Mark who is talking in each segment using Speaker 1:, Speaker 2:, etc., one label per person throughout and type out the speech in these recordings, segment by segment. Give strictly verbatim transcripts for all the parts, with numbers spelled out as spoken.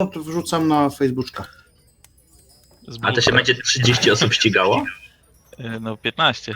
Speaker 1: to wrzucam na Facebooka.
Speaker 2: A to się będzie trzydzieści osób ścigało?
Speaker 3: No piętnaście.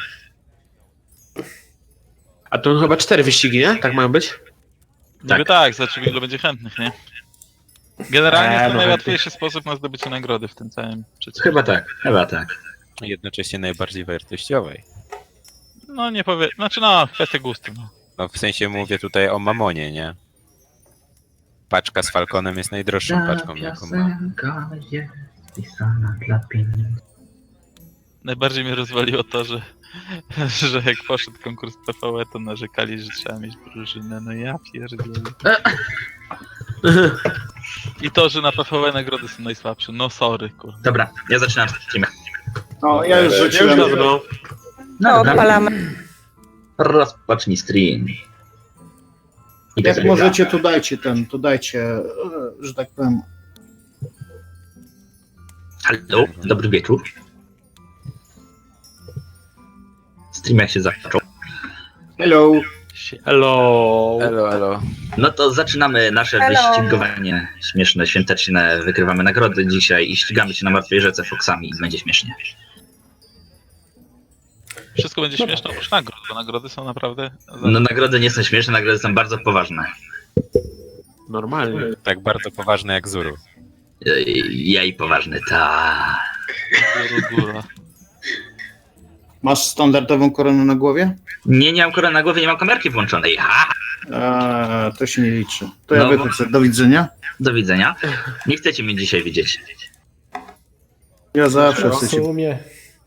Speaker 4: A to chyba cztery wyścigi, nie? Tak mają być?
Speaker 3: Niby tak, zobaczymy ilu będzie chętnych, nie? Generalnie
Speaker 4: Eee,
Speaker 3: jest to
Speaker 4: no
Speaker 3: najłatwiejszy sposób na zdobycie nagrody w tym całym przedsięwzięciu.
Speaker 2: Chyba tak, chyba tak.
Speaker 5: Jednocześnie najbardziej wartościowej.
Speaker 3: No nie powiem, znaczy no, kwestia gustu, no.
Speaker 5: No w sensie mówię tutaj o mamonie, nie? Paczka z Falconem jest najdroższą paczką, jaką mam.
Speaker 2: jest pisana dla pieniędzy.
Speaker 3: Najbardziej mnie rozwaliło to, że, że jak poszedł konkurs P V E, to narzekali, że trzeba mieć drużynę, no ja pierdolę. I to, że na P V E nagrody są najsłabsze, no sorry, kurde.
Speaker 2: Dobra, ja zaczynam streamę.
Speaker 1: O, ja już
Speaker 4: Ja już
Speaker 1: rzuciłem.
Speaker 4: dawno.
Speaker 2: No dobra,
Speaker 6: odpalamy.
Speaker 2: rozpocznij stream. I
Speaker 1: Jak
Speaker 2: tak
Speaker 1: możecie,
Speaker 2: dalej.
Speaker 1: to dajcie ten, to dajcie, e, że tak powiem.
Speaker 2: Halo, dobry wieczór. Stream jak się zaczął.
Speaker 1: Hello.
Speaker 4: Hello.
Speaker 5: Elo, elo.
Speaker 2: No to zaczynamy nasze
Speaker 6: Hello.
Speaker 2: wyścigowanie śmieszne, świąteczne. Wykrywamy nagrody dzisiaj i ścigamy się na martwej rzece Foxami i będzie śmiesznie.
Speaker 3: Wszystko będzie śmieszne oprócz nagród, bo nagrody są naprawdę...
Speaker 2: No nagrody nie są śmieszne, nagrody są bardzo poważne.
Speaker 4: Normalnie.
Speaker 5: Tak bardzo poważne jak Zuru.
Speaker 2: Ej, Ja i poważny, tak.
Speaker 3: Góra, góra.
Speaker 1: Masz standardową koronę na głowie?
Speaker 2: Nie, nie mam korony na głowie, nie mam kamerki włączonej. Ha!
Speaker 1: A, to się nie liczy. To ja
Speaker 2: No.
Speaker 1: wychodzę. Do widzenia.
Speaker 2: Do widzenia. Nie chcecie mnie dzisiaj widzieć.
Speaker 1: Ja zawsze chcę się...
Speaker 7: sumie.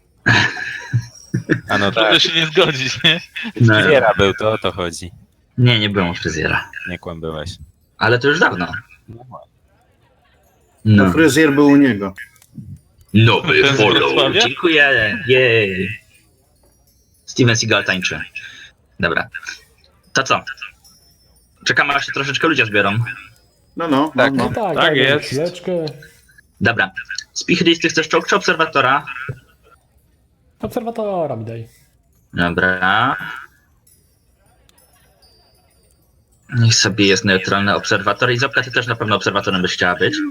Speaker 5: A no
Speaker 3: Trudno
Speaker 5: tak,
Speaker 3: się nie zgodzić, nie?
Speaker 2: No.
Speaker 5: fryzjera był, to o to chodzi.
Speaker 2: Nie, nie byłem u fryzjera.
Speaker 5: Nie kłam byłeś.
Speaker 2: Ale to już dawno.
Speaker 5: No,
Speaker 2: No.
Speaker 1: Fryzjer był u niego.
Speaker 2: Nowy
Speaker 3: Ten z
Speaker 2: follow.
Speaker 3: Wrocławia?
Speaker 2: Dziękuję. Jej. Steven Seagal tańczy. Dobra. To co? Czekamy, aż się troszeczkę ludzie zbiorą.
Speaker 1: No, no,
Speaker 5: Tak.
Speaker 1: no,
Speaker 7: No
Speaker 1: no.
Speaker 7: tak,
Speaker 4: Tak
Speaker 7: dajmy
Speaker 4: jest.
Speaker 7: chwileczkę.
Speaker 2: Dobra. Spichris, ty chcesz czołg czy obserwatora?
Speaker 7: Obserwatora mi daj.
Speaker 2: Dobra. Niech sobie jest neutralny obserwator. I Zopka, ty też na pewno obserwatorem byś chciała być.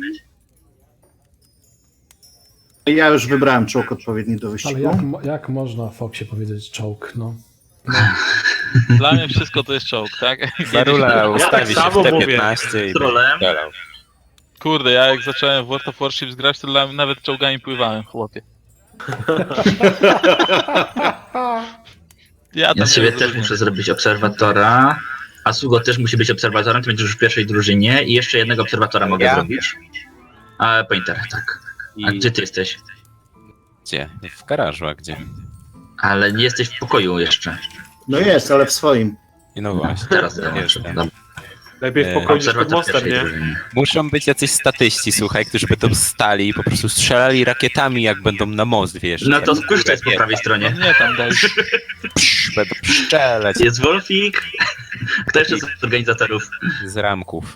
Speaker 1: Ja już wybrałem czołg odpowiedni do
Speaker 7: Ale
Speaker 1: wyścigu.
Speaker 7: jak, mo- jak można Foxie powiedzieć czołg, no?
Speaker 3: Dla mnie wszystko to jest czołg, tak?
Speaker 5: Barula ustawi
Speaker 4: tak
Speaker 5: się
Speaker 4: samo
Speaker 5: w T
Speaker 4: mówię.
Speaker 5: piętnaście i
Speaker 2: Trolem.
Speaker 5: strzelał.
Speaker 3: Kurde, ja jak zacząłem w World of Warships grać, to dla mnie nawet czołgami pływałem, chłopie. Ja tam
Speaker 2: Ja
Speaker 3: nie
Speaker 2: sobie też
Speaker 3: rozumiem.
Speaker 2: muszę zrobić obserwatora. A Sugo też musi być obserwatorem, ty będziesz już w pierwszej drużynie i jeszcze jednego obserwatora mogę
Speaker 5: Ja?
Speaker 2: zrobić. A Pointer, tak. A
Speaker 5: I
Speaker 2: gdzie ty jesteś?
Speaker 5: gdzie? W garażu, a gdzie?
Speaker 2: Ale nie jesteś w pokoju jeszcze.
Speaker 1: No jest, ale w swoim.
Speaker 5: I no właśnie,
Speaker 2: Teraz dołączę.
Speaker 5: jestem.
Speaker 2: Dobra.
Speaker 4: Lepiej w
Speaker 5: Eee,
Speaker 4: pokoju niż pod
Speaker 2: Obserwator
Speaker 4: mostem,
Speaker 2: pierwszej
Speaker 4: nie?
Speaker 2: drużyny.
Speaker 5: Muszą być jacyś statyści, słuchaj, którzy będą stali i po prostu strzelali rakietami, jak będą na most, wiesz.
Speaker 2: No to
Speaker 5: Tak,
Speaker 2: spuszcza jest po prawej
Speaker 3: No
Speaker 2: stronie.
Speaker 3: nie tam daj.
Speaker 5: psz, będą strzelać
Speaker 2: Jest Wolfik. Kto jeszcze z organizatorów?
Speaker 5: z ramków.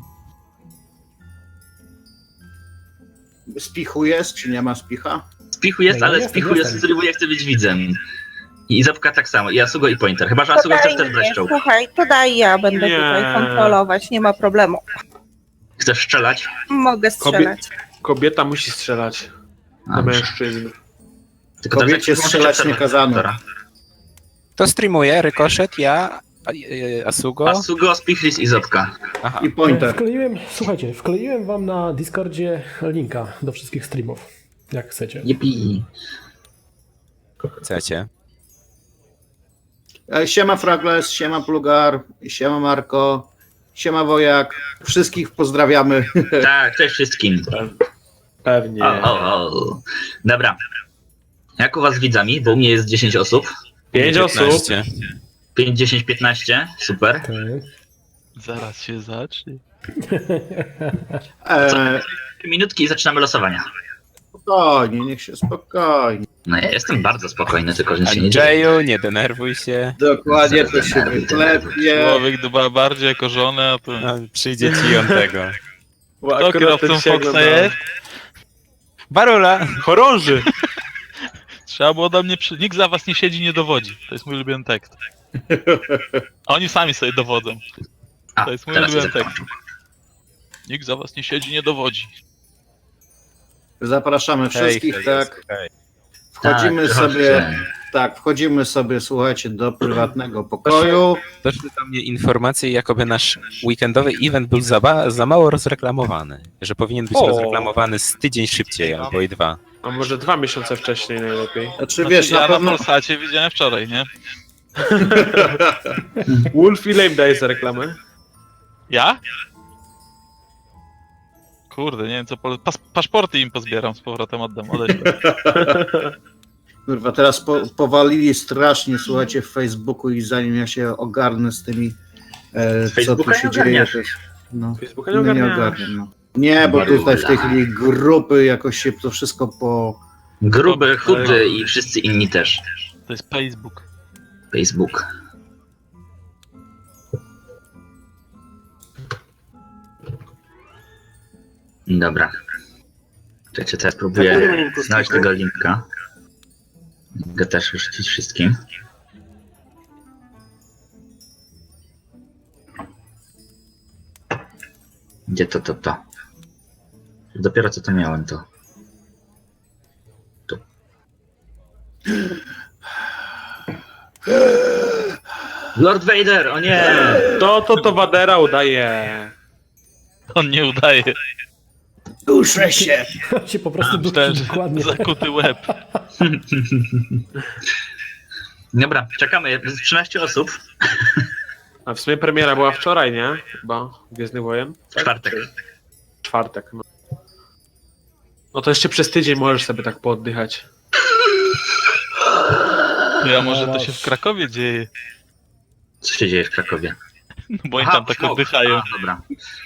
Speaker 1: Spichu jest, czy nie ma spicha?
Speaker 2: Spichu jest,
Speaker 7: No,
Speaker 2: ale
Speaker 7: jestem,
Speaker 2: Spichu jest,
Speaker 7: jestem.
Speaker 2: który chce być widzem. I Zapka tak samo. I Asugo i Pointer. Chyba, że Asugo chcesz też brać czołg.
Speaker 6: Słuchaj, to daj ja będę
Speaker 4: Nie.
Speaker 6: tutaj kontrolować, nie ma problemu.
Speaker 2: Chcesz strzelać?
Speaker 6: Mogę strzelać.
Speaker 4: Kobieta musi strzelać na
Speaker 2: Dobrze.
Speaker 4: mężczyzn.
Speaker 2: Tylko teraz
Speaker 1: Kobiecie
Speaker 2: jak włączyć
Speaker 1: strzelać nie kazano.
Speaker 2: obserwatora.
Speaker 5: To streamuje, Rykoszet, ja, a- e, Asugo.
Speaker 2: Asugo, Spichris i Zopka.
Speaker 5: Aha,
Speaker 1: I Pointer.
Speaker 7: Wkleiłem, słuchajcie, wkleiłem wam na Discordzie linka do wszystkich streamów, jak chcecie.
Speaker 2: Jepi.
Speaker 5: chcecie.
Speaker 1: E, Siema Fragles, siema Plugar, siema Marko, siema Wojak. Wszystkich pozdrawiamy.
Speaker 2: Tak, cześć wszystkim.
Speaker 4: Pewnie.
Speaker 2: O, o, o. Dobra. Jak u was z widzami? Bo u mnie jest dziesięć osób.
Speaker 4: Pięć osób.
Speaker 5: piętnaście.
Speaker 2: pięć, dziesięć, piętnaście. Super.
Speaker 7: Okej.
Speaker 3: Zaraz się zacznie.
Speaker 1: E,
Speaker 2: Trzy minutki i zaczynamy losowania.
Speaker 1: spokojnie, niech się spokojnie.
Speaker 2: No ja jestem bardzo spokojny, tylko że nic się nie dzieje.
Speaker 5: Andrzeju, nie denerwuj się.
Speaker 1: Dokładnie, to się wyklepie.
Speaker 3: Człowiek dba bardziej jako żonę, a to...
Speaker 5: No, przyjdzie ci on tego.
Speaker 4: Bo
Speaker 3: Kto
Speaker 4: akurat
Speaker 3: kierowcą
Speaker 4: ten się
Speaker 3: Foxa
Speaker 4: ogląda.
Speaker 3: jest?
Speaker 5: Barula!
Speaker 4: Chorąży.
Speaker 3: Trzeba było do mnie przy... Nikt za was nie siedzi, nie dowodzi. To jest mój ulubiony tekst. A oni sami sobie dowodzą.
Speaker 2: A,
Speaker 3: To jest mój
Speaker 2: teraz
Speaker 3: ulubiony
Speaker 2: się
Speaker 3: tekst.
Speaker 2: zakończył.
Speaker 3: Nikt za was nie siedzi, nie dowodzi.
Speaker 1: Zapraszamy wszystkich,
Speaker 5: hej,
Speaker 1: tak.
Speaker 5: hej.
Speaker 1: Wchodzimy
Speaker 2: Tak,
Speaker 1: sobie,
Speaker 2: chodźcie.
Speaker 1: tak, wchodzimy sobie, słuchajcie, do prywatnego pokoju.
Speaker 5: Doszły do mnie informacje, jakoby nasz weekendowy event był za, ba- za mało rozreklamowany. Że powinien być
Speaker 4: O.
Speaker 5: rozreklamowany z tydzień szybciej, albo i dwa.
Speaker 4: A może dwa miesiące wcześniej najlepiej.
Speaker 1: Znaczy,
Speaker 3: Znaczy,
Speaker 1: wiesz,
Speaker 3: ja
Speaker 1: na
Speaker 3: na
Speaker 1: pewno...
Speaker 3: Polsacie widziałem wczoraj, nie?
Speaker 4: Wolf, ile im daje za reklamę?
Speaker 3: Ja? Kurde, nie wiem co... Po... Pas paszporty im pozbieram, z powrotem oddam, odeślę.
Speaker 1: Kurwa, teraz po, powalili strasznie, słuchajcie, w Facebooku i zanim ja się ogarnę z tymi, e, co tu
Speaker 2: Facebooka
Speaker 1: się
Speaker 2: nie
Speaker 1: dzieje,
Speaker 2: ogarniasz.
Speaker 1: to jest, no,
Speaker 4: Facebooka
Speaker 1: no,
Speaker 4: nie
Speaker 1: nie
Speaker 4: ogarniasz.
Speaker 1: ogarniam, no. Nie, bo tutaj w tej chwili grupy jakoś się to wszystko po...
Speaker 2: Gruby, chudy i wszyscy inni też.
Speaker 3: To jest Facebook.
Speaker 2: Facebook. Dobra. Czekajcie, teraz próbuję znaleźć tego linka. Mogę też rzucić wszystkim. Gdzie to, to, to? Dopiero co to miałem, to. Tu. Lord Vader, o nie!
Speaker 4: To, to, to Wadera udaje.
Speaker 3: On nie udaje.
Speaker 1: Duszę się!
Speaker 7: się po prostu
Speaker 3: Myślałem,
Speaker 7: dusi
Speaker 3: że
Speaker 7: dokładnie.
Speaker 3: zakuty łeb.
Speaker 2: Dobra, czekamy. Jest trzynaście osób.
Speaker 4: A w sumie premiera była wczoraj, nie? Chyba. Gwiezdny Wojen.
Speaker 2: W czwartek.
Speaker 4: Czwartek, no. No to jeszcze przez tydzień możesz sobie tak pooddychać.
Speaker 3: Ja może to się w Krakowie dzieje.
Speaker 2: Co się dzieje w Krakowie?
Speaker 3: No bo oni
Speaker 2: Aha,
Speaker 3: tam tak
Speaker 2: smok.
Speaker 3: oddychają.
Speaker 2: A, dobra.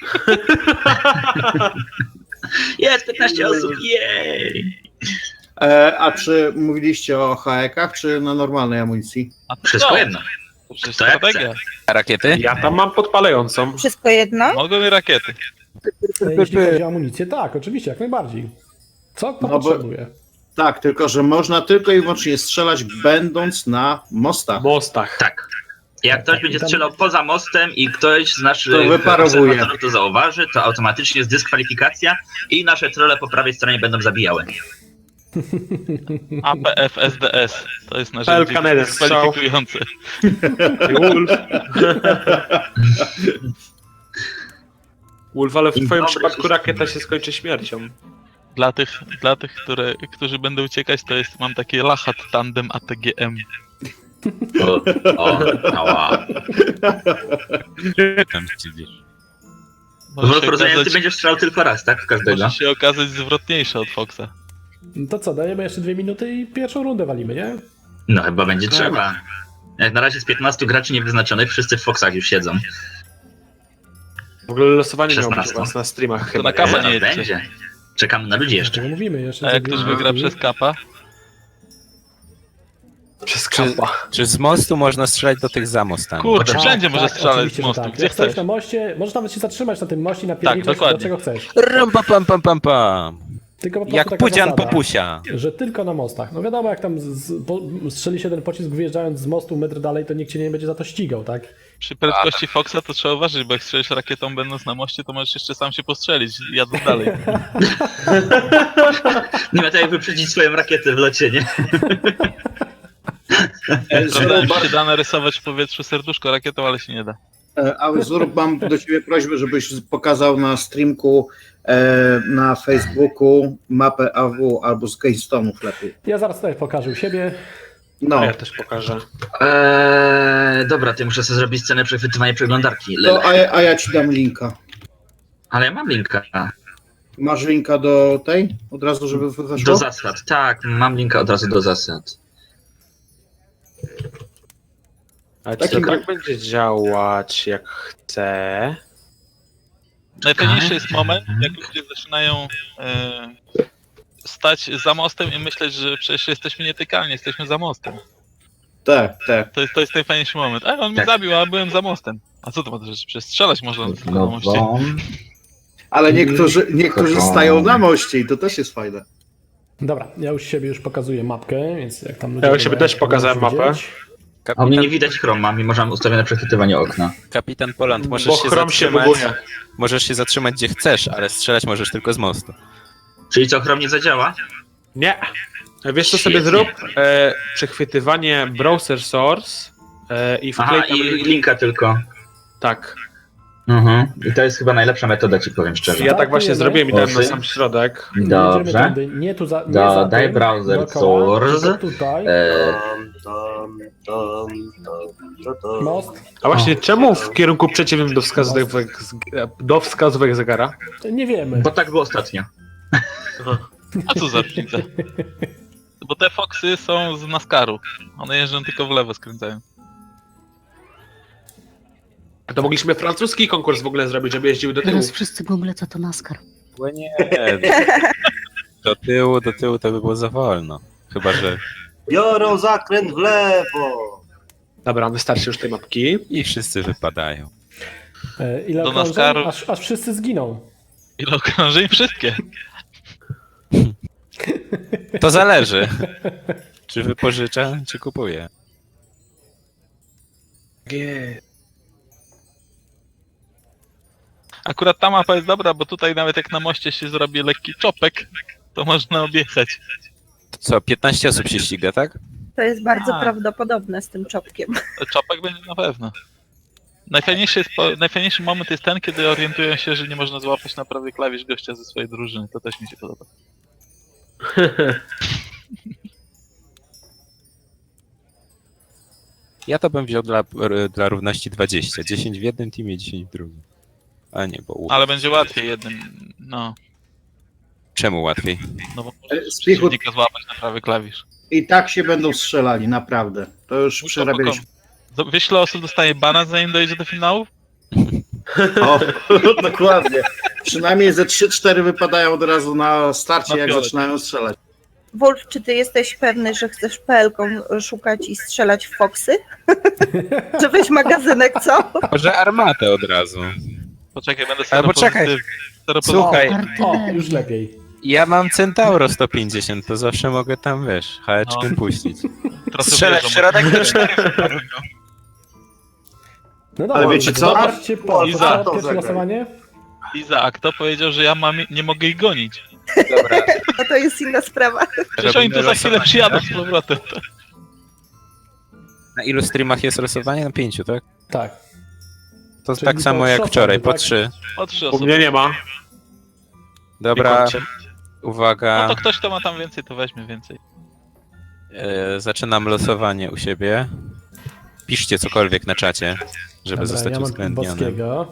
Speaker 2: Jest piętnaście osób, jej!
Speaker 1: E, a czy mówiliście o haekach, czy na normalnej amunicji?
Speaker 3: A to
Speaker 2: Wszystko
Speaker 3: co?
Speaker 2: jedno.
Speaker 3: To przecież
Speaker 2: To jak
Speaker 3: strategia.
Speaker 5: A rakiety?
Speaker 4: Ja tam mam podpalającą.
Speaker 6: Wszystko jedno?
Speaker 3: Mogą i rakiety.
Speaker 7: Jeśli chodzi o amunicję, tak, oczywiście, jak najbardziej. Co kto
Speaker 1: No bo-
Speaker 7: potrzebuje?
Speaker 1: Tak, tylko że można tylko i wyłącznie strzelać będąc na mostach.
Speaker 4: W mostach.
Speaker 2: Tak. Jak ktoś będzie strzelał poza mostem i ktoś z naszych
Speaker 1: To wyparowuje.
Speaker 2: obserwatorów to zauważy, to automatycznie jest dyskwalifikacja i nasze trolle po prawej stronie będą zabijały.
Speaker 3: A P F S D S. To jest
Speaker 4: Pel
Speaker 3: narzędzie
Speaker 4: Canada strzał.
Speaker 3: kwalifikujące.
Speaker 4: Wolf. Wolf, ale w
Speaker 2: Dzień
Speaker 4: twoim
Speaker 2: dobry,
Speaker 4: przypadku
Speaker 2: wszystkim.
Speaker 4: rakieta się skończy śmiercią.
Speaker 3: Dla tych, dla tych które, którzy będą uciekać, to jest, mam takie Lachat Tandem A T G M.
Speaker 2: O, o, ała.
Speaker 5: Tam dziwisz.
Speaker 2: Bo
Speaker 3: Może się,
Speaker 2: rozumiem, ty
Speaker 3: okazać,
Speaker 2: będziesz strzelał tylko raz, tak? W każdego.
Speaker 3: może się okazać zwrotniejsze od Foxa.
Speaker 7: No to co, dajemy jeszcze dwie minuty i pierwszą rundę walimy, nie?
Speaker 2: No chyba będzie trzeba. Jak na razie z piętnastu graczy niewyznaczonych, wszyscy w Foxach już siedzą.
Speaker 4: W ogóle losowanie miało być u
Speaker 2: szesnaście.
Speaker 4: was na streamach
Speaker 3: To
Speaker 4: chyba.
Speaker 3: na kasa
Speaker 2: Zaraz
Speaker 3: nie jedźcie.
Speaker 2: będzie. Czekamy na ludzi jeszcze.
Speaker 7: Dlaczego mówimy jeszcze?
Speaker 3: A jak
Speaker 7: za
Speaker 3: ktoś
Speaker 7: dwie
Speaker 3: wygra
Speaker 7: minuty?
Speaker 3: przez kapa,
Speaker 4: Przez
Speaker 5: Czy,
Speaker 4: kapa.
Speaker 5: czy z mostu można strzelać do tych za mostami?
Speaker 3: kurde,
Speaker 7: Tak,
Speaker 3: wszędzie może
Speaker 7: tak,
Speaker 3: strzelać z
Speaker 7: oczywiście, że
Speaker 3: mostu,
Speaker 7: tak.
Speaker 3: gdzie
Speaker 7: Jak stoisz
Speaker 3: chcesz.
Speaker 7: na moście, możesz nawet się zatrzymać na tym moście i napierdzieć do
Speaker 3: dokładnie.
Speaker 7: czego chcesz.
Speaker 5: Rum, pa, pam, pam, pam, pam.
Speaker 7: Tylko po prostu
Speaker 5: Jak
Speaker 7: taka
Speaker 5: pudzian
Speaker 7: zasada,
Speaker 5: popusia.
Speaker 7: że tylko na mostach. No wiadomo, jak tam z, z, po, strzeli się ten pocisk wyjeżdżając z mostu metr dalej, to nikt cię nie będzie za to ścigał, tak?
Speaker 3: Przy prędkości Foxa to trzeba uważać, bo jak strzelisz rakietą będąc na moście, to możesz jeszcze sam się postrzelić, jadąc dalej.
Speaker 2: Nie ma tak jak wyprzedzić swoją rakietę w locie, nie?
Speaker 3: Sprawdzałem, że się da narysować w powietrzu serduszko rakietą, ale się nie da.
Speaker 1: E, A Zurb, mam do ciebie prośbę, żebyś pokazał na streamku e, na Facebooku mapę A W albo z Keystone'ów lepiej.
Speaker 7: Ja zaraz tutaj pokażę u siebie.
Speaker 1: No,
Speaker 4: A ja też pokażę.
Speaker 2: Eee, dobra, to ja muszę sobie zrobić scenę przechwytywania przeglądarki.
Speaker 1: to,
Speaker 2: Lele.
Speaker 1: a, ja- a ja ci dam linka.
Speaker 2: Ale ja mam linka.
Speaker 1: Masz linka do tej? Od razu, żeby weszło?
Speaker 2: Do zasad, tak, mam linka od razu do zasad.
Speaker 4: Ale czy
Speaker 1: Takim-
Speaker 4: to tak będzie działać jak chcę?
Speaker 3: Najfajniejszy jest moment, jak ludzie zaczynają e, stać za mostem i myśleć, że przecież jesteśmy nietykalni, jesteśmy za mostem.
Speaker 1: Tak, tak.
Speaker 3: To jest, to jest najfajniejszy moment. A on mnie
Speaker 2: Tak.
Speaker 3: zabił, a byłem za mostem. A co to ma, że przecież strzelać można tylko na moście.
Speaker 1: Ale niektórzy, niektórzy stają na moście i to też jest fajne.
Speaker 7: Dobra, ja już siebie już pokazuję mapkę, więc jak tam ludzie...
Speaker 4: Ja u siebie
Speaker 7: będą-
Speaker 4: też pokazałem
Speaker 7: będą
Speaker 4: mapę.
Speaker 7: widzieć.
Speaker 2: A mnie
Speaker 5: Kapitan,
Speaker 2: nie widać chroma, mimo że mam ustawione przechwytywanie okna.
Speaker 5: kapitan Poland, możesz
Speaker 4: Bo
Speaker 5: się
Speaker 4: chrom się
Speaker 5: zatrzymać.
Speaker 4: buguje.
Speaker 5: Możesz się zatrzymać gdzie chcesz, ale strzelać możesz tylko z mostu.
Speaker 2: Czyli co, chrom nie zadziała?
Speaker 4: Nie. Wiesz co sobie
Speaker 2: Świetnie.
Speaker 4: zrób? E, przechwytywanie browser source e, i wklej
Speaker 2: Aha,
Speaker 4: tam...
Speaker 2: i linka tylko.
Speaker 4: Tak.
Speaker 2: Mhm. I to jest chyba najlepsza metoda, ci powiem szczerze.
Speaker 4: Ja tak właśnie
Speaker 7: Startujemy.
Speaker 4: zrobiłem i dałem na
Speaker 2: Osy.
Speaker 4: sam środek.
Speaker 7: Jedziemy
Speaker 2: Dobrze.
Speaker 7: tędy, nie tu za, nie
Speaker 2: Dodaj
Speaker 7: za tym,
Speaker 2: browser
Speaker 7: dookoła,
Speaker 2: source.
Speaker 7: tylko tutaj,
Speaker 2: E,
Speaker 7: most.
Speaker 4: A właśnie, czemu w kierunku przeciwnym do wskazówek, do wskazówek zegara?
Speaker 7: Nie wiemy.
Speaker 2: bo tak było ostatnio.
Speaker 3: A co za różnica? Bo te Foxy są z NASCARu. One jeżdżą tylko w lewo, skręcają.
Speaker 4: A to mogliśmy francuski konkurs w ogóle zrobić, żeby jeździły do tyłu.
Speaker 8: Teraz wszyscy google, co to NASCAR.
Speaker 5: Bo nie. Do tyłu, do tyłu to by było za wolno. Chyba, że
Speaker 9: Biorą zakręt w lewo.
Speaker 4: Dobra, wystarczy już tej mapki.
Speaker 5: i wszyscy wypadają.
Speaker 7: E, Ile
Speaker 3: Do
Speaker 7: okrążeń?
Speaker 3: NASCARu.
Speaker 7: Aż, aż wszyscy zginą.
Speaker 3: Ile okrążeń? Wszystkie.
Speaker 5: To zależy. Czy wypożycza, czy kupuje.
Speaker 3: Akurat ta mapa jest dobra, bo tutaj nawet jak na moście się zrobi lekki czopek, to można objechać.
Speaker 5: To co, piętnaście osób się ściga, tak?
Speaker 6: To jest bardzo
Speaker 3: A.
Speaker 6: prawdopodobne z tym czopkiem.
Speaker 3: Czopek będzie na pewno. Najfajniejszy, jest, po- najfajniejszy moment jest ten, kiedy orientują się, że nie można złapać na prawy klawisz gościa ze swojej drużyny. To też mi się podoba.
Speaker 5: Ja to bym wziął dla, dla równości dwadzieścia. dziesięć w jednym teamie, dziesięć w drugim. A nie, bo...
Speaker 3: Ale będzie łatwiej jednym. No,
Speaker 5: Czemu łatwiej?
Speaker 3: no bo
Speaker 1: E,
Speaker 3: możesz
Speaker 1: Spichut-
Speaker 3: przeciwnika złapać na prawy klawisz.
Speaker 1: I tak się będą strzelali, naprawdę. To już
Speaker 3: Muszę
Speaker 1: przerabialiśmy.
Speaker 3: pokonać. Wiesz, ile osób dostaje bana, zanim dojdzie do finału?
Speaker 1: O, dokładnie. Przynajmniej ze trzy cztery wypadają od razu na starcie,
Speaker 3: Na
Speaker 1: jak
Speaker 3: fiolet.
Speaker 1: zaczynają strzelać.
Speaker 6: Wolf, czy ty jesteś pewny, że chcesz P L-ką szukać i strzelać w Foxy? Żebyś magazynek, co?
Speaker 5: Może armatę od razu.
Speaker 3: Poczekaj, będę
Speaker 5: Albo
Speaker 3: seropozytywny.
Speaker 5: czekaj.
Speaker 3: Seropozytywny.
Speaker 5: Słuchaj,
Speaker 7: O,
Speaker 8: Artylerii.
Speaker 7: już lepiej.
Speaker 5: ja mam Centauro sto pięćdziesiąt, to zawsze mogę tam, wiesz, haeczkiem
Speaker 3: No.
Speaker 5: puścić.
Speaker 3: Trochę
Speaker 5: Strzelać w
Speaker 3: wierzą,
Speaker 5: środek to cztery.
Speaker 7: No dobra,
Speaker 1: Ale wiecie co?
Speaker 7: Zobaczcie, po,
Speaker 3: Iza.
Speaker 7: po, pierwsze losowanie.
Speaker 3: Izaak to powiedział, że ja mam, nie mogę ich gonić.
Speaker 5: Dobra,
Speaker 6: No to jest inna sprawa.
Speaker 3: Przecież oni tu za chwilę przyjadą z powrotem.
Speaker 5: na ilu streamach jest losowanie? Na pięciu, tak?
Speaker 7: Tak.
Speaker 5: To
Speaker 7: Czyli
Speaker 5: tak
Speaker 7: po
Speaker 5: samo jak
Speaker 7: trzy
Speaker 5: wczoraj,
Speaker 7: osoby,
Speaker 5: po
Speaker 7: tak?
Speaker 5: trzy.
Speaker 3: O trzy
Speaker 4: U
Speaker 3: osoby.
Speaker 4: mnie nie ma.
Speaker 5: Dobra,
Speaker 4: Nie kończę.
Speaker 5: uwaga,
Speaker 3: No to ktoś, kto ma tam więcej, to weźmie więcej.
Speaker 5: e, zaczynam losowanie u siebie. Piszcie cokolwiek na czacie, żeby
Speaker 7: Dobra,
Speaker 5: zostać
Speaker 7: ja mam
Speaker 5: uwzględnionym.
Speaker 7: Boskiego.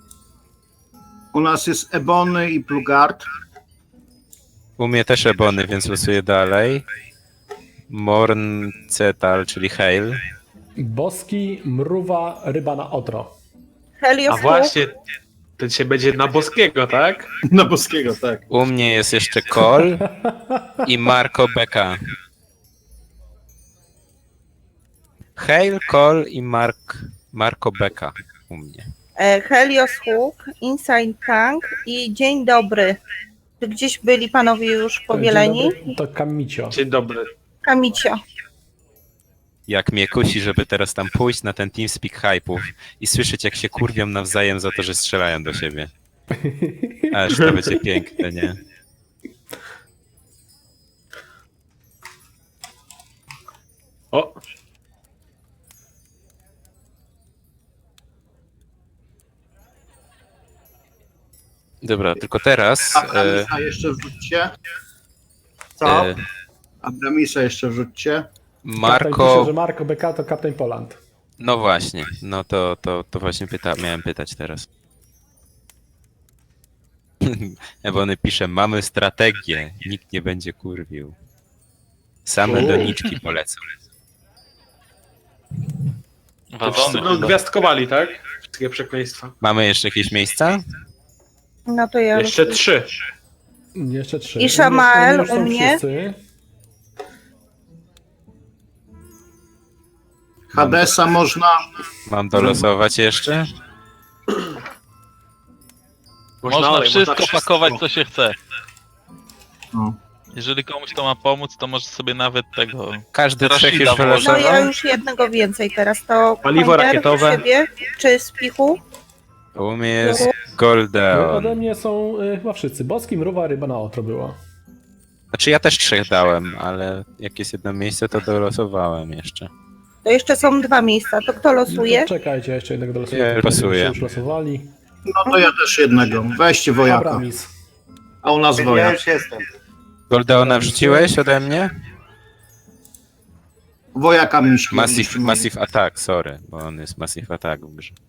Speaker 1: U nas jest Ebony i Plugard.
Speaker 5: U mnie też Ebony, więc losuję dalej. Morn Cetal, czyli Hail.
Speaker 7: Boski, mruwa, ryba na otro.
Speaker 4: A
Speaker 6: Helios
Speaker 4: właśnie, to dzisiaj będzie na boskiego, tak?
Speaker 1: Na Boskiego, tak.
Speaker 5: U mnie jest jeszcze Kol i Marco Beka. Hail, Kol i Mark, Marco Beka u mnie.
Speaker 6: e, Helios Hook, Inside Tank i Dzień Dobry. Czy gdzieś byli panowie już powieleni?
Speaker 7: Dzień dobry, to Kamicio.
Speaker 4: Dzień dobry.
Speaker 6: Kamicio.
Speaker 5: Jak mnie kusi, żeby teraz tam pójść na ten TeamSpeak hype'ów i słyszeć, jak się kurwią nawzajem za to, że strzelają do siebie. Aż to będzie piękne, nie?
Speaker 4: O,
Speaker 5: Dobra, tylko teraz... E,
Speaker 1: Abramisa jeszcze wrzućcie. Co?
Speaker 5: e,
Speaker 1: Abramisa jeszcze wrzućcie.
Speaker 7: Kapten pisze,
Speaker 5: Marco...
Speaker 7: że Marco Beka to Kapten Poland.
Speaker 5: No właśnie, no to, to, to właśnie pyta, miałem pytać teraz. Ebony pisze, mamy strategię, nikt nie będzie kurwił. Same
Speaker 4: U.
Speaker 5: doniczki polecą.
Speaker 4: to wszyscy
Speaker 3: Wadzony
Speaker 4: będą
Speaker 3: chyba.
Speaker 4: gwiazdkowali, tak? Wszystkie przekleństwa.
Speaker 5: Mamy jeszcze jakieś miejsca?
Speaker 6: No to ja.
Speaker 4: Jeszcze trzy.
Speaker 7: Jeszcze trzy.
Speaker 6: I Shamael
Speaker 7: już są
Speaker 6: u mnie.
Speaker 7: wszyscy.
Speaker 1: Hadesa można.
Speaker 5: Mam dolosować jeszcze?
Speaker 3: Można
Speaker 4: ale
Speaker 3: wszystko
Speaker 4: wszystko.
Speaker 3: pakować, co się chce.
Speaker 1: No.
Speaker 3: Jeżeli komuś to ma pomóc, to może sobie nawet tego...
Speaker 5: Każdy trzech już
Speaker 3: Rashida włożył.
Speaker 6: No ja
Speaker 5: wylosował?
Speaker 6: już jednego więcej teraz. To
Speaker 4: Paliwo
Speaker 6: Pointer
Speaker 4: rakietowe.
Speaker 6: u siebie, czy z pichu?
Speaker 5: U mnie jest
Speaker 7: No,
Speaker 5: Goldeon.
Speaker 7: ode mnie są y, chyba wszyscy. Boski, mruwa, ryba na otro była.
Speaker 5: Znaczy ja też trzech dałem, ale jak jest jedno miejsce, to dolosowałem jeszcze.
Speaker 6: To jeszcze są dwa miejsca. To kto losuje?
Speaker 7: No, czekajcie, jeszcze jednego do
Speaker 5: Ja losuję.
Speaker 7: Już losowali.
Speaker 1: No to ja też jednego. Weźcie wojaka.
Speaker 7: Abramis.
Speaker 1: A u nas
Speaker 9: Ja
Speaker 1: wojak.
Speaker 9: już jestem.
Speaker 5: Goldeona wrzuciłeś ode mnie?
Speaker 1: Wojaka miśki.
Speaker 5: Massive, massive Attack, sorry, bo on jest Massive Attack w grze.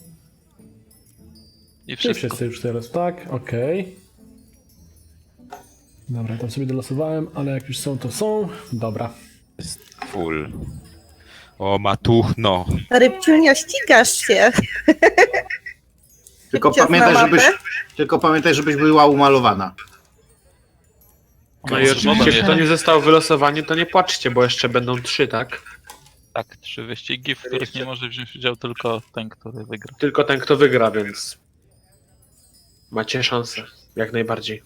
Speaker 3: I
Speaker 7: Czy
Speaker 3: wszystko.
Speaker 7: wszyscy już teraz, tak? Okej. Dobra, tam sobie dolosowałem, ale jak już są, to są. Dobra.
Speaker 5: Jest full. O, matuchno.
Speaker 6: Rybciunia, ścigasz się.
Speaker 1: Tylko
Speaker 6: Ciasna
Speaker 1: pamiętaj,
Speaker 6: mapę?
Speaker 1: żebyś, tylko pamiętaj, żebyś była umalowana.
Speaker 4: No i oczywiście, kto nie został wylosowany, to nie płaczcie, bo jeszcze będą trzy, tak?
Speaker 3: Tak, trzy wyścigi, w których nie może wziąć udziału tylko ten, który wygra.
Speaker 4: Tylko ten, kto wygra, więc macie szansę, jak najbardziej.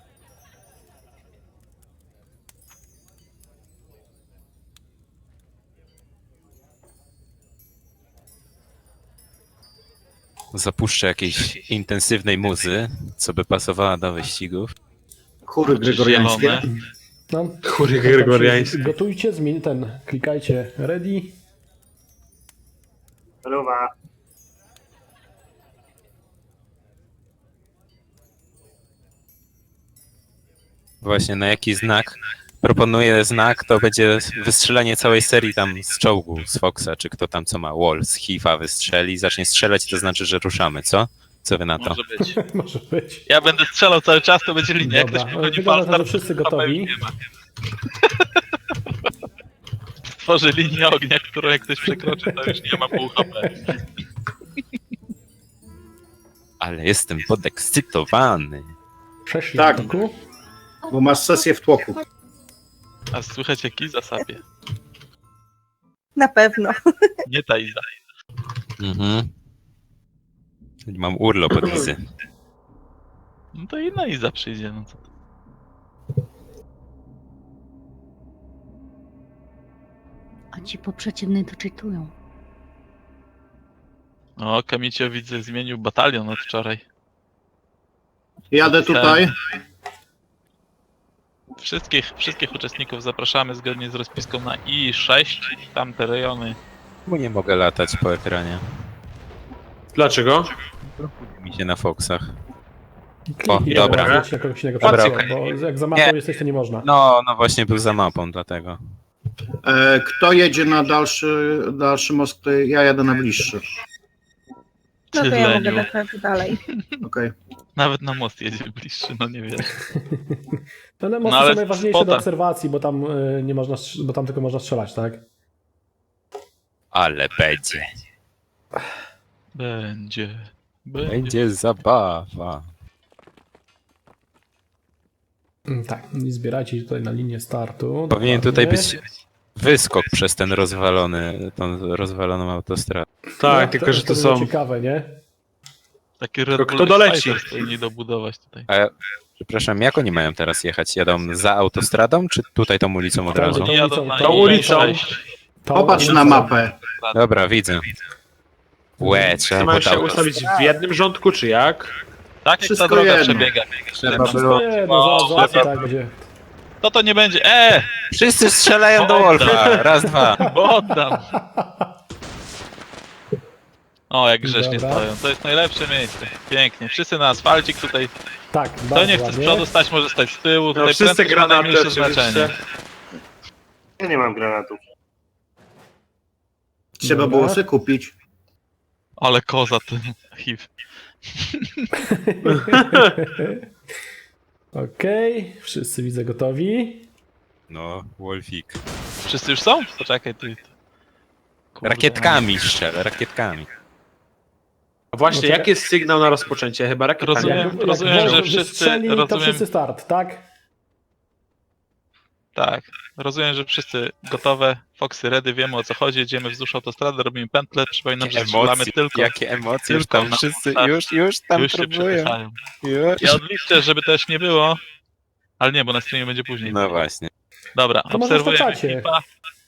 Speaker 5: Zapuszczę jakiejś intensywnej muzy, co by pasowała do wyścigów.
Speaker 1: Chóry gregoriańskie.
Speaker 3: Zielone.
Speaker 7: No,
Speaker 4: Chóry
Speaker 7: to tak się
Speaker 4: gregoriańskie.
Speaker 7: Gotujcie, zmień ten, klikajcie ready.
Speaker 9: Ruwa.
Speaker 5: Właśnie na jaki znak? Proponuję znak, to będzie wystrzelanie całej serii tam z czołgu, z Foxa, czy kto tam co ma, Wall, z Hifa wystrzeli, zacznie strzelać, to znaczy, że ruszamy, co? Co wy na to?
Speaker 3: Może być.
Speaker 7: Może być.
Speaker 3: Ja będę strzelał cały czas, to będzie linia. Jak
Speaker 7: Dobra,
Speaker 3: ktoś mi chodzi
Speaker 7: wygląda na to, że
Speaker 3: falstart,
Speaker 7: wszyscy
Speaker 3: to
Speaker 7: gotowi.
Speaker 3: pewnie nie ma. Tworzy linię ognia, którą jak ktoś przekroczy, to już nie ma pół H P.
Speaker 5: Ale jestem podekscytowany.
Speaker 7: Przeszli
Speaker 1: Tak.
Speaker 7: w toku.
Speaker 1: Bo masz sesję w tłoku.
Speaker 3: A słychać jak Iza sapie.
Speaker 6: Na pewno.
Speaker 3: Nie ta Iza.
Speaker 5: Mhm. Mam urlop od Izy.
Speaker 3: No to inna Iza przyjdzie. No co to?
Speaker 8: A ci po przeciwnej to czytują.
Speaker 3: O, Kamicio widzę zmienił batalion od wczoraj.
Speaker 1: Jadę tutaj.
Speaker 3: Wszystkich, wszystkich uczestników zapraszamy zgodnie z rozpiską na I sześć. Tamte rejony.
Speaker 5: Bo nie mogę latać po ekranie.
Speaker 4: Dlaczego?
Speaker 5: Mi się na Foxach.
Speaker 7: Kliknij,
Speaker 5: O, dobra.
Speaker 7: żeby się na kogoś innego
Speaker 5: Dobra,
Speaker 7: patrzyło,
Speaker 5: okej.
Speaker 7: bo jak za mapą
Speaker 5: Nie.
Speaker 7: jesteś, to nie można.
Speaker 5: No, no właśnie był za mapą, dlatego.
Speaker 1: E, kto jedzie na dalszy, dalszy most? To ja jadę na bliższy.
Speaker 6: No to
Speaker 3: Ty,
Speaker 6: ja mogę
Speaker 3: Leniu.
Speaker 6: dać dalej.
Speaker 1: Okej.
Speaker 3: Nawet na most jedzie bliższy, no nie wiem.
Speaker 7: No, ale mosty
Speaker 3: No, ale
Speaker 7: są najważniejsze
Speaker 3: spota.
Speaker 7: do obserwacji, bo tam y, nie można, strz- bo tam tylko można strzelać, tak?
Speaker 5: Ale będzie.
Speaker 3: Będzie. Będzie.
Speaker 5: Będzie zabawa.
Speaker 7: Mm, Tak, i zbierajcie się tutaj na linię startu.
Speaker 5: Powinien
Speaker 7: dokładnie.
Speaker 5: tutaj być wyskok przez ten rozwalony, tą rozwaloną autostradę.
Speaker 4: Tak,
Speaker 7: No,
Speaker 4: tylko że to
Speaker 7: by było
Speaker 4: są...
Speaker 7: ciekawe, nie?
Speaker 3: Taki Red
Speaker 4: To
Speaker 3: Bull
Speaker 4: kto doleci?
Speaker 3: Fighters powinni dobudować tutaj.
Speaker 5: A, przepraszam, jak oni mają teraz jechać? Jadą za autostradą, czy tutaj tą ulicą od
Speaker 7: Tam,
Speaker 5: razu?
Speaker 7: tą
Speaker 3: Jadą
Speaker 7: ulicą,
Speaker 3: na
Speaker 4: tą
Speaker 3: I
Speaker 4: ulicą.
Speaker 3: sześć.
Speaker 7: Tą
Speaker 1: Popatrz
Speaker 7: ulicą.
Speaker 1: na mapę.
Speaker 5: Dobra, widzę. Łe, trzeba
Speaker 4: Mają
Speaker 5: pod
Speaker 4: się
Speaker 5: auto.
Speaker 4: ustawić w jednym rządku, czy jak?
Speaker 3: Tak jak
Speaker 1: Wszystko
Speaker 3: ta droga
Speaker 1: jedno.
Speaker 3: przebiega.
Speaker 1: Trzeba
Speaker 7: Wszystko
Speaker 1: było.
Speaker 7: jedno, zaraz załatwię, tak będzie.
Speaker 3: To to nie będzie. E!
Speaker 5: Wszyscy strzelają do Wolfa. Raz, dwa.
Speaker 3: Bo oddam. O, jak grzecznie
Speaker 7: Dobra.
Speaker 3: stoją. To jest najlepsze miejsce. Pięknie. Wszyscy na asfalcik tutaj.
Speaker 7: Tak,
Speaker 3: Kto
Speaker 7: bardzo
Speaker 3: nie chce z
Speaker 7: ładnie.
Speaker 3: przodu stać, może stać z tyłu.
Speaker 4: No
Speaker 3: Tutaj
Speaker 4: wszyscy
Speaker 3: prędkość ma
Speaker 4: granaty
Speaker 3: najmniejsze znaczenie.
Speaker 4: oczywiście.
Speaker 9: Ja nie mam granatów.
Speaker 1: Trzeba
Speaker 7: Dobra.
Speaker 1: było sobie kupić.
Speaker 3: Ale koza ten H I V.
Speaker 7: Okej, wszyscy widzę gotowi.
Speaker 5: No, Wolfik.
Speaker 3: Wszyscy już są? Poczekaj, ty. Kurde.
Speaker 5: Rakietkami strzel, rakietkami.
Speaker 4: A właśnie,
Speaker 7: No czekaj.
Speaker 4: jaki jest sygnał na rozpoczęcie? Chyba rakietami.
Speaker 3: Rozumiem.
Speaker 7: Jak,
Speaker 3: rozumiem,
Speaker 7: jak
Speaker 3: że
Speaker 7: Wolf
Speaker 3: wszyscy-
Speaker 7: wystrzeli, to
Speaker 3: rozumiem.
Speaker 7: wszyscy start, tak?
Speaker 3: Tak. Rozumiem, że wszyscy gotowe. Foxy ready, wiemy o co chodzi. Jedziemy wzdłuż autostrady, robimy pętlę. Przypominam, że strzelamy
Speaker 5: Emocje,
Speaker 3: tylko.
Speaker 5: jakie emocje, już
Speaker 3: tylko
Speaker 5: tam
Speaker 3: na-
Speaker 5: wszyscy,
Speaker 3: tak.
Speaker 5: już, już tam
Speaker 3: Już się
Speaker 5: próbują.
Speaker 3: przepychają.
Speaker 5: Już.
Speaker 3: Ja odliczę, żeby też nie było. Ale nie, bo na streamie będzie później.
Speaker 5: No właśnie.
Speaker 3: Dobra,
Speaker 7: To może
Speaker 3: obserwujemy
Speaker 7: wstaczacie.
Speaker 3: ekipa.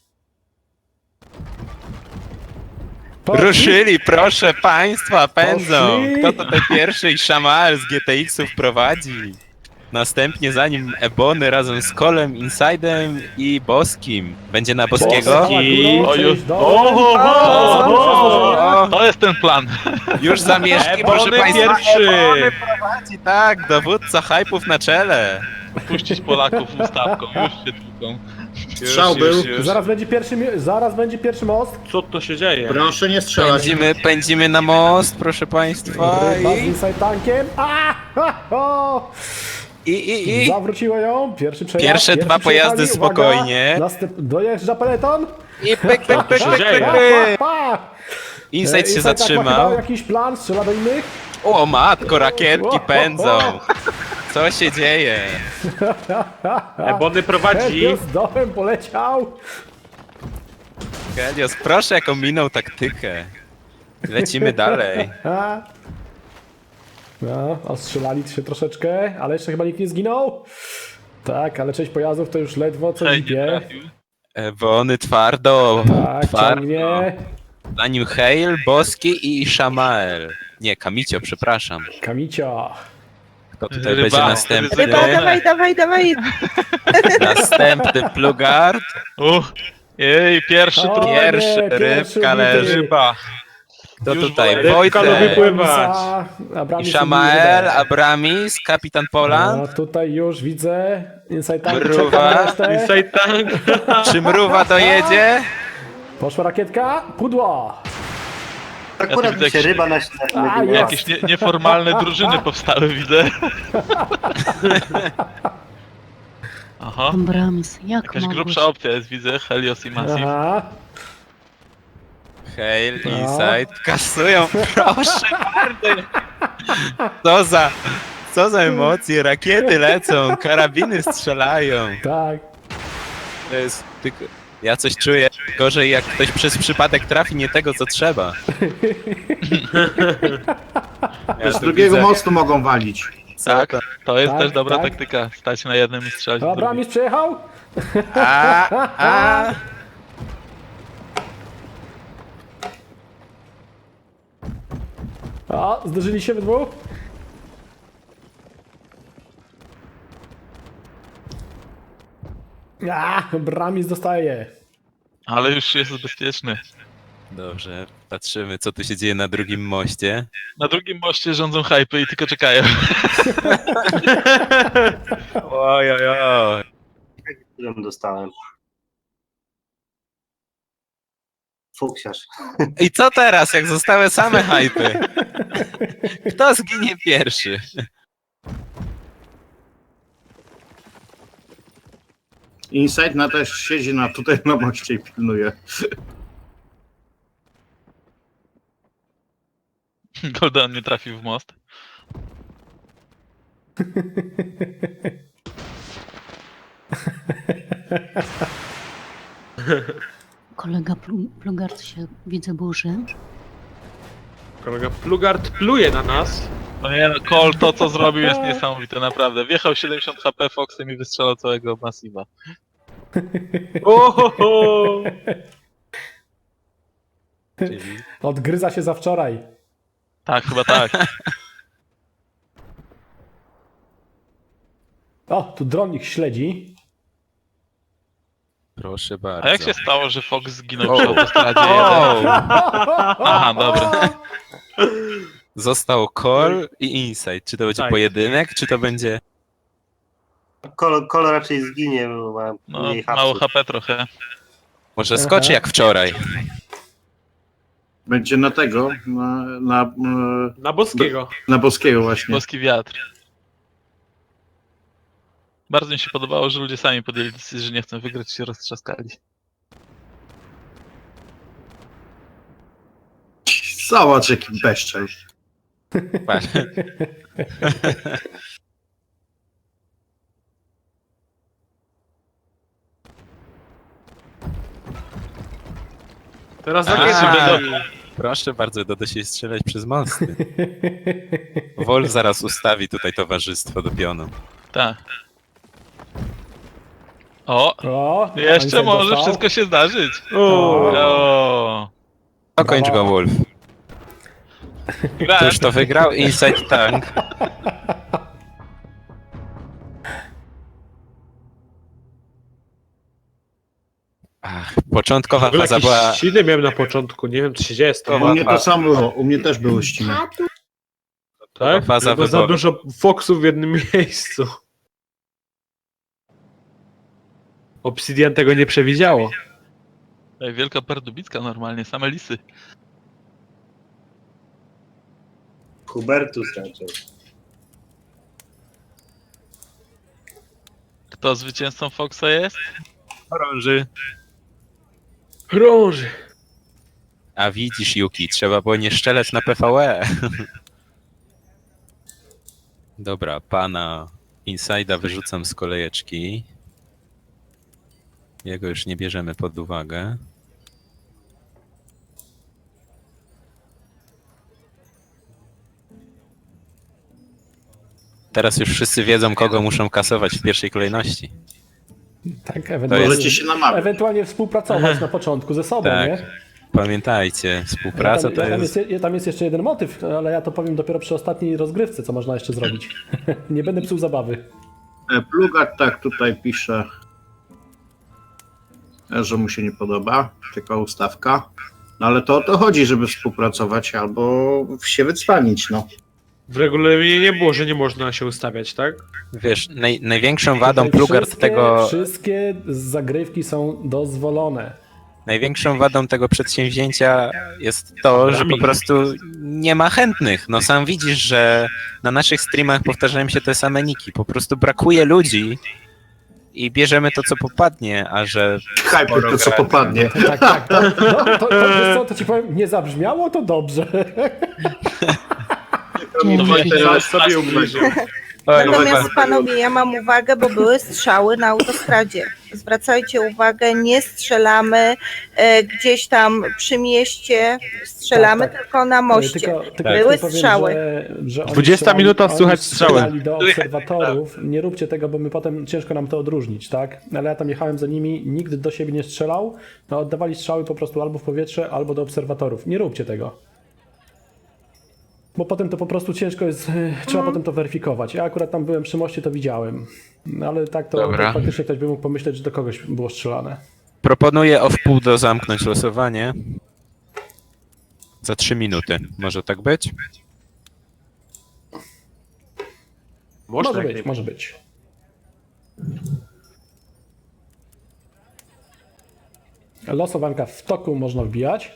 Speaker 7: Poszli?
Speaker 5: Ruszyli, proszę państwa, pędzą.
Speaker 7: Poszli.
Speaker 5: Kto tutaj pierwszy i Shamal z G T X-ów prowadzi? Następnie za nim Ebony razem z Kolem, Insidem i Boskim. Będzie na Boskiego?
Speaker 7: Boski.
Speaker 3: O, już.
Speaker 7: Cześć,
Speaker 3: O, o,
Speaker 5: O, o,
Speaker 3: To jest ten plan.
Speaker 5: już zamieszki, proszę
Speaker 4: Ebony
Speaker 5: państwa.
Speaker 4: pierwszy.
Speaker 5: Ebony prowadzi, tak, dowódca hypów na czele.
Speaker 3: Puścić Polaków ustawką, już się tłuką.
Speaker 1: Strzał był.
Speaker 7: Zaraz będzie pierwszy, mi- zaraz będzie pierwszy most.
Speaker 4: Co to się dzieje?
Speaker 1: Proszę nie strzelać.
Speaker 5: Pędzimy, pędzimy na most, proszę państwa.
Speaker 7: Ryba z
Speaker 5: I,
Speaker 7: inside tankiem. A! Ha, ho!
Speaker 5: i, i, i.
Speaker 7: Zawróciło ją. Pierwszy przejazd.
Speaker 5: Pierwsze
Speaker 7: pierwszy
Speaker 5: dwa pojazdy
Speaker 7: przejechali. Uwaga.
Speaker 5: spokojnie.
Speaker 7: Następ... Dojeżdża peleton.
Speaker 5: I pyk, pyk, pyk,
Speaker 4: się
Speaker 5: pyk,
Speaker 4: dzieje?
Speaker 5: pyk,
Speaker 7: Pa,
Speaker 5: pyk.
Speaker 7: pa.
Speaker 5: Insight się
Speaker 7: Inside tak ma chyba
Speaker 5: zatrzymał.
Speaker 7: jakiś plan, strzela do innych.
Speaker 5: O matko, rakietki pędzą. Co się dzieje?
Speaker 4: Ebony prowadzi.
Speaker 7: Helios z dołem poleciał.
Speaker 5: Helios, proszę jaką minął taktykę. Lecimy dalej.
Speaker 7: A. No, ostrzelali się troszeczkę, ale jeszcze chyba nikt nie zginął. Tak, ale część pojazdów to już ledwo co
Speaker 3: Hej, nie
Speaker 7: zbie.
Speaker 3: trafił.
Speaker 5: Ebony twardo.
Speaker 7: Tak,
Speaker 5: Twardo.
Speaker 7: ciągnie.
Speaker 5: Za nim Hale, Boski i Shamael. Nie, Kamicio, przepraszam.
Speaker 7: Kamicio.
Speaker 5: Kto tutaj
Speaker 3: Ryba.
Speaker 5: będzie następny?
Speaker 6: Ryba, dawaj, dawaj, dawaj.
Speaker 5: Następny Plugard.
Speaker 3: Uch, jej, pierwszy
Speaker 7: O,
Speaker 3: tu
Speaker 7: nie,
Speaker 5: Pierwszy,
Speaker 7: pierwszy
Speaker 5: rybka
Speaker 7: ubity.
Speaker 5: leży.
Speaker 3: ryba.
Speaker 5: Kto
Speaker 3: Już
Speaker 5: tutaj?
Speaker 3: wolę.
Speaker 4: Rybka lubi
Speaker 5: Wojtek.
Speaker 4: pływać.
Speaker 7: Abramis
Speaker 5: I Shamael,
Speaker 7: Rybę.
Speaker 5: Abramis, Kapitan Poland.
Speaker 7: No, tutaj już widzę. Inside tank
Speaker 5: Mruwa.
Speaker 7: czeka na resztę.
Speaker 4: Inside tank.
Speaker 5: Czy Mruwa dojedzie?
Speaker 7: Poszła rakietka. Pudło.
Speaker 9: Akurat
Speaker 3: widzę
Speaker 9: mi się
Speaker 3: jakiś-
Speaker 9: ryba na
Speaker 7: A,
Speaker 9: śniadanie.
Speaker 7: jest.
Speaker 3: Jakieś nie, nieformalne drużyny powstały, widzę. Aha,
Speaker 8: Abrams, jak
Speaker 3: jakaś
Speaker 8: mogłeś?
Speaker 3: grubsza opcja jest, widzę, Helios i Massive.
Speaker 7: Aha.
Speaker 5: Hale,
Speaker 7: No.
Speaker 5: Insight, kasują, proszę bardzo. Co za, co za emocje, rakiety lecą, karabiny strzelają.
Speaker 7: Tak.
Speaker 5: To jest tylko... Ja coś czuję gorzej, jak ktoś przez przypadek trafi nie tego, co trzeba. Ja
Speaker 1: Z
Speaker 5: tu
Speaker 1: drugiego
Speaker 5: widzę-
Speaker 1: mostu mogą walić.
Speaker 3: Tak, to jest
Speaker 7: Tak,
Speaker 3: też dobra
Speaker 7: tak.
Speaker 3: taktyka, stać na jednym i strzelać w drugim.
Speaker 7: Abramis przejechał.
Speaker 5: A, a.
Speaker 7: A, zderzyli się we dwóch. A, Abramis dostaje.
Speaker 3: Ale już jest bezpieczny.
Speaker 5: Dobrze, patrzymy, co tu się dzieje na drugim moście.
Speaker 3: Na drugim moście rządzą hypy i tylko czekają.
Speaker 5: Oj, oj, oj.
Speaker 9: Którym dostałem. Fuksiarz.
Speaker 5: I co teraz, jak zostały same hypy? Kto zginie pierwszy?
Speaker 1: Inside na też siedzi na tutaj na moście i pilnuje.
Speaker 3: Golden nie trafił w most.
Speaker 8: Kolega Plu- Plugard się, widzę, burzy.
Speaker 4: Kolega Plugard pluje na nas.
Speaker 3: No nie no, Cole to co zrobił jest niesamowite, naprawdę. Wjechał siedemdziesiąt H P Foxem i wystrzelał całego Massiva.
Speaker 4: Ohoho!
Speaker 7: Odgryza się za wczoraj.
Speaker 3: Tak, chyba tak.
Speaker 7: O, tu dron ich śledzi.
Speaker 5: Proszę bardzo.
Speaker 3: A jak się stało, że Fox zginął
Speaker 5: O.
Speaker 3: przy autostradzie jeden?
Speaker 5: O!
Speaker 3: Aha, dobra.
Speaker 5: Został Call i Insight. Czy to będzie
Speaker 4: Tak.
Speaker 5: pojedynek, czy to będzie...
Speaker 9: Kolo, kolo raczej zginie, bo ma
Speaker 3: No,
Speaker 9: mniej
Speaker 3: mało
Speaker 9: hapsów.
Speaker 3: H P trochę.
Speaker 5: Może skoczy
Speaker 7: Aha.
Speaker 5: jak wczoraj?
Speaker 1: Będzie na tego, na, na, e,
Speaker 4: Na Boskiego.
Speaker 1: na Boskiego właśnie.
Speaker 3: Boski wiatr. Bardzo mi się podobało, że ludzie sami podjęli decyzję, że nie chcą wygrać i się roztrzaskali.
Speaker 1: Zobacz jaki bezczel.
Speaker 5: Patrz.
Speaker 4: Teraz
Speaker 5: A.
Speaker 4: rakiety.
Speaker 5: Proszę bardzo, doda się strzelać przez mosty. Wolf zaraz ustawi tutaj towarzystwo do pionu.
Speaker 3: Tak. O,
Speaker 7: O,
Speaker 3: jeszcze
Speaker 7: Einstein
Speaker 3: może
Speaker 7: dostał.
Speaker 3: wszystko się zdarzyć.
Speaker 4: O,
Speaker 3: O,
Speaker 5: Dokończ go, Wolf.
Speaker 3: grałem.
Speaker 5: Któż to wygrał? Inside Tank. Ach, początkowa
Speaker 4: w ogóle
Speaker 5: faza
Speaker 4: jakieś
Speaker 5: była...
Speaker 4: ściny miałem na początku, nie wiem co się dzieje z
Speaker 1: U
Speaker 4: tą
Speaker 1: mnie to samo było, u mnie też były ściny.
Speaker 4: tak?
Speaker 5: faza
Speaker 4: Było za
Speaker 5: wyboru.
Speaker 4: dużo foksów w jednym miejscu. Obsidian tego nie przewidziało.
Speaker 3: Ej, Wielka Perdubicka normalnie, same lisy.
Speaker 9: Hubertus raczej.
Speaker 3: Kto zwycięzcą Foxa jest?
Speaker 5: Chorąży.
Speaker 4: Krąży.
Speaker 5: A widzisz, Yuki, trzeba było nie szczelać na P V E. Dobra, pana Inside'a wyrzucam z kolejeczki. Jego już nie bierzemy pod uwagę. Teraz już wszyscy wiedzą, kogo muszą kasować w pierwszej kolejności.
Speaker 7: Tak, ewentualnie,
Speaker 1: Możecie się namawiać.
Speaker 7: ewentualnie współpracować na początku ze sobą,
Speaker 5: Tak.
Speaker 7: nie?
Speaker 5: Pamiętajcie, współpraca
Speaker 7: tam,
Speaker 5: to
Speaker 7: tam,
Speaker 5: jest...
Speaker 7: jest, tam jest jeszcze jeden motyw, ale ja to powiem dopiero przy ostatniej rozgrywce, co można jeszcze zrobić. Nie będę psuł zabawy.
Speaker 1: E, Plugat tak tutaj pisze, e, że mu się nie podoba, tylko ustawka. No ale to o to chodzi, żeby współpracować albo się wycwanić, no.
Speaker 4: W regulaminie nie było, że nie można się ustawiać, tak?
Speaker 5: Wiesz, naj, największą wadą
Speaker 7: Tutaj
Speaker 5: Plugard
Speaker 7: wszystkie,
Speaker 5: tego...
Speaker 7: Wszystkie zagrywki są dozwolone.
Speaker 5: Największą wadą tego przedsięwzięcia jest to, że po prostu nie ma chętnych. No sam widzisz, że na naszych streamach powtarzają się te same niki. Po prostu brakuje ludzi i bierzemy to, co popadnie, a że...
Speaker 1: Hyper to co popadnie.
Speaker 7: Tak, tak. To, no, to, to, wiesz co, to ci powiem, nie zabrzmiało to dobrze.
Speaker 3: To właśnie
Speaker 1: teraz
Speaker 4: sobie ubliżył.
Speaker 5: Oj,
Speaker 6: Natomiast
Speaker 5: chyba-
Speaker 6: panowie, ja mam uwagę, bo były strzały na autostradzie. Zwracajcie uwagę, nie strzelamy e, gdzieś tam przy mieście, strzelamy
Speaker 7: Tak, tak.
Speaker 6: tylko na moście.
Speaker 7: Tylko, tylko
Speaker 6: Były
Speaker 7: ja powiem,
Speaker 6: strzały.
Speaker 7: Że, że oni
Speaker 4: dwudziesta
Speaker 7: strzelali-
Speaker 4: minuta,
Speaker 7: oni
Speaker 4: słychać strzały.
Speaker 7: strzelali do obserwatorów. Nie róbcie tego, bo my potem ciężko nam to odróżnić, tak? Ale ja tam jechałem za nimi, nikt do siebie nie strzelał. No, oddawali strzały po prostu albo w powietrze, albo do obserwatorów. Nie róbcie tego. Bo potem to po prostu ciężko jest, trzeba potem to weryfikować. Ja akurat tam byłem przy moście, to widziałem. No, ale tak to,
Speaker 5: Dobra.
Speaker 7: to faktycznie ktoś by mógł pomyśleć, że do kogoś było strzelane.
Speaker 5: Proponuję o wpół do zamknąć losowanie. Za trzy minuty. Może tak być?
Speaker 7: Może
Speaker 4: jak
Speaker 7: być,
Speaker 4: nie-
Speaker 7: może być. Losowanka w toku można wbijać.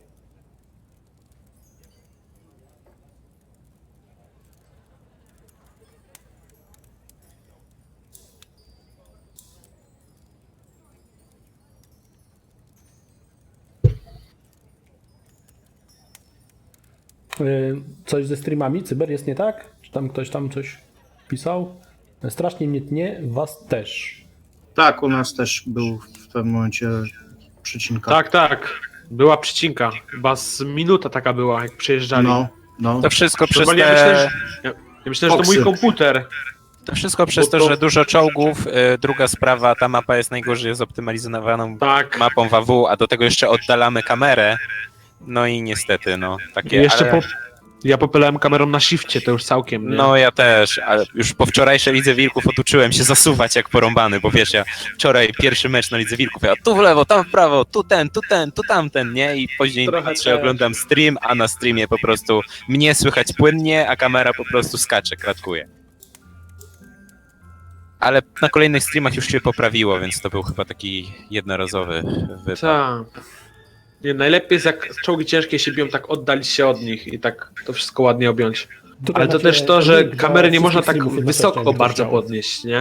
Speaker 7: Yy, Coś ze streamami? Cyber jest nie tak? Czy tam ktoś tam coś pisał? Strasznie mnie tnie, was też.
Speaker 1: Tak, u nas też był w pewnym momencie przycinka.
Speaker 4: Tak, tak. Była przycinka. Chyba z minuta taka była, jak przyjeżdżali.
Speaker 1: No, no.
Speaker 5: To wszystko przez
Speaker 4: Normalnie ja
Speaker 5: te...
Speaker 4: myślę, że, ja, ja myślę, że to mój
Speaker 1: Foxy.
Speaker 4: komputer.
Speaker 5: To wszystko przez
Speaker 4: Bo
Speaker 5: to,
Speaker 4: to-
Speaker 5: że dużo czołgów. Y, druga sprawa, ta mapa jest najgorzej zoptymalizowaną
Speaker 4: Tak.
Speaker 5: mapą W A W, a do tego jeszcze oddalamy kamerę. No i niestety, no takie.
Speaker 4: I jeszcze
Speaker 5: ale...
Speaker 4: po, ja popylałem kamerą na shifcie, to już całkiem, nie?
Speaker 5: No ja też, ale już po wczorajszej Lidze Wilków oduczyłem się zasuwać jak porąbany, bo wiesz, ja wczoraj pierwszy mecz na Lidze Wilków, ja tu w lewo, tam w prawo, tu ten, tu ten, tu tamten, nie? I później
Speaker 4: Trochę
Speaker 5: patrzę,
Speaker 4: też.
Speaker 5: oglądam stream, a na streamie po prostu mnie słychać płynnie, a kamera po prostu skacze, kratkuje. Ale na kolejnych streamach już się poprawiło, więc to był chyba taki jednorazowy wypad.
Speaker 4: Tak. Nie, najlepiej jest jak czołgi ciężkie się biją, tak oddalić się od nich i tak to wszystko ładnie objąć.
Speaker 7: Tutaj
Speaker 4: Ale to
Speaker 7: macie
Speaker 4: też to, że
Speaker 7: link do
Speaker 4: kamery nie można
Speaker 7: wszystkich
Speaker 4: tak
Speaker 7: streamów
Speaker 4: wysoko
Speaker 7: jednocześnie,
Speaker 4: bardzo
Speaker 7: jakby ktoś
Speaker 4: podnieść, nie?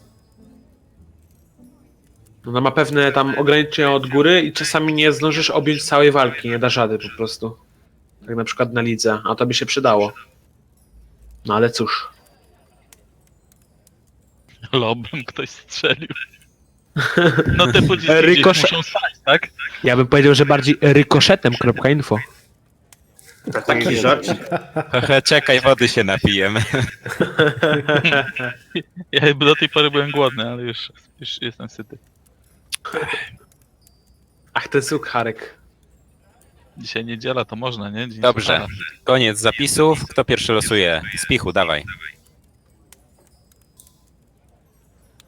Speaker 4: Ona ma pewne tam ograniczenia od góry i czasami nie zdążysz objąć całej walki, nie dasz rady po prostu. Tak na przykład na lidze, a to by się przydało. No ale cóż.
Speaker 3: Lobem ktoś strzelił. No te pociski
Speaker 4: Rykosze-
Speaker 3: gdzieś muszą stać, tak?
Speaker 4: Ja bym powiedział, że bardziej rykoszetem.info.
Speaker 1: Taki żarcik.
Speaker 5: Hehe, czekaj, wody się napijemy.
Speaker 3: Ja jakby do tej pory byłem głodny, ale już, już jestem syty.
Speaker 4: Ach, ten sukharek.
Speaker 3: Dzisiaj niedziela, to można, nie? Dzień
Speaker 5: Dobrze,
Speaker 3: suchara.
Speaker 5: koniec zapisów. Kto pierwszy losuje? Spichu, dawaj.